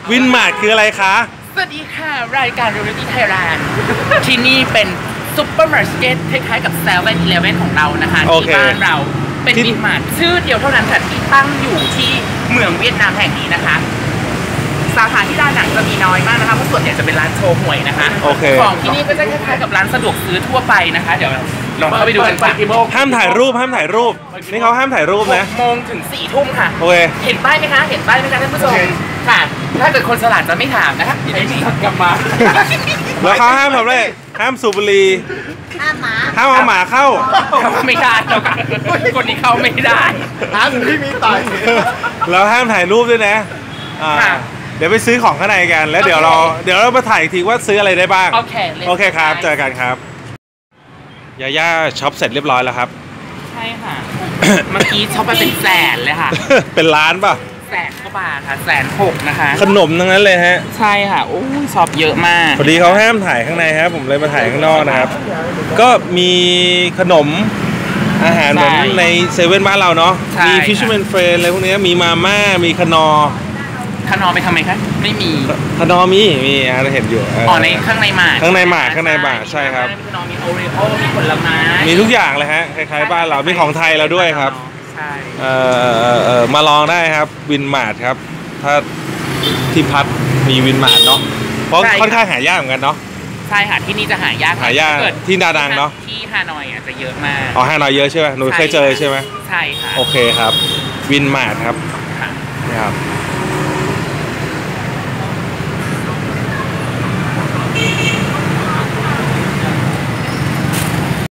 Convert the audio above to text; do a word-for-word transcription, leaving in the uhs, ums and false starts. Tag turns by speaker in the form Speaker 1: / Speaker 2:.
Speaker 1: วินมาร์ทคืออะไรคะ
Speaker 2: สวัสดีค่ะรายการ Reality Thailand ที่นี่เป็นซุปเปอร์มาร์เก็ตคล้ายๆกับเซเว่นอีเลฟเว่นของเรานะคะที่บ้านเราเป็นวินมาร์ทชื่อเดียวเท่านั้นค่ะที่ตั้งอยู่ที่เมืองเวียดนามแห่งนี้นะคะสาขาที่ด้านหนังจะมีน้อยมากนะคะเพราะส่วนใหญ่จะเป็นร้านโชว์หวยนะคะของที่นี่ก็จะคล้ายๆกับร้านสะดวกซื้อทั่วไปนะคะเดี๋ยวลองเข้าไปดูกันค่ะ
Speaker 1: ห้ามถ่ายรูปห้ามถ่ายรูปนี่เขาห้ามถ่ายรูปนะ
Speaker 2: หกโมงถึงสี่ทุ่มค่ะ
Speaker 1: โอเค
Speaker 2: เห็นป้ายไหมคะเห็นป้ายไหมคะท่านผู้ชมค่ะถ้าเกิดคนฉลาดจะไม่ถามนะคะไอ้นี่กลับมา
Speaker 1: แล้วเขาห้ามทำอะไรห้ามสูบบุหรี่
Speaker 3: ห้ามหมา
Speaker 1: ห้ามเอาหมาเข้า
Speaker 2: ไม่ได้แล้วกันคนนี้เข้าไม่ได้
Speaker 3: ห้ามที่มีต่อย
Speaker 1: แล้วห้ามถ่ายรูปด้วยนะเดี๋ยวไปซื้อของข้างในกันแล้วเดี๋ยวเราเดี๋ยวเรามาถ่ายอีกทีว่าซื้ออะไรได้บ้าง
Speaker 2: โอเค
Speaker 1: โอเคครับเจอกันครับยาย่าช็อปเสร็จเรียบร้อยแล้วครับ
Speaker 2: ใช่ค่ะเมื่อกี้ช็อปไปเป็นแสนเลยค่ะ
Speaker 1: เป็นล้านป่ะ
Speaker 2: แสนกว่าบาทค่ะแสนหกนะคะ
Speaker 1: ขนมทั้งนั้นเลยฮะ
Speaker 2: ใช่ค่ะโอ้ยช็อปเยอะมาก
Speaker 1: พอดีเขาห้ามถ่ายข้างในครับผมเลยมาถ่ายข้างนอกนะครับก็มีขนมอาหารเหมือนในเซเว่นบ้านเราเนาะมีฟิชแมนเฟรนอะไรพวกนี้มีมาม่ามีขนอ
Speaker 2: ขนอไปทำไมคะไม่มี
Speaker 1: ขนอมีมีเราเห็นอยู่
Speaker 2: อ๋อในข้างในหมา
Speaker 1: ข้างในหมาข้างในหมาใช่ครับ
Speaker 2: มีขนอมีโอริโอมีผลไม้
Speaker 1: มีทุกอย่างเลยฮะคล้ายๆบ้านเรามีของไทยเราด้วยครับ
Speaker 2: ใช่
Speaker 1: เอ่อเอ่อมาลองได้ครับวินมาร์ทครับถ้าที่พัดมีวินมาร์ทเนาะเพราะค่อนข้างหายากเหมือนกันเนาะ
Speaker 2: ใช่ค่ะที่นี่จะหายาก
Speaker 1: หายากที่ดาดังเนาะ
Speaker 2: ที่ฮานอยอ่ะจะเยอะมาก
Speaker 1: อ๋อฮานอยเยอะใช่ไหมหนูเคยเจอใช่ไหม
Speaker 2: ใช่ค่ะ
Speaker 1: โอเคครับวินมาร์ทครับนี่ครับ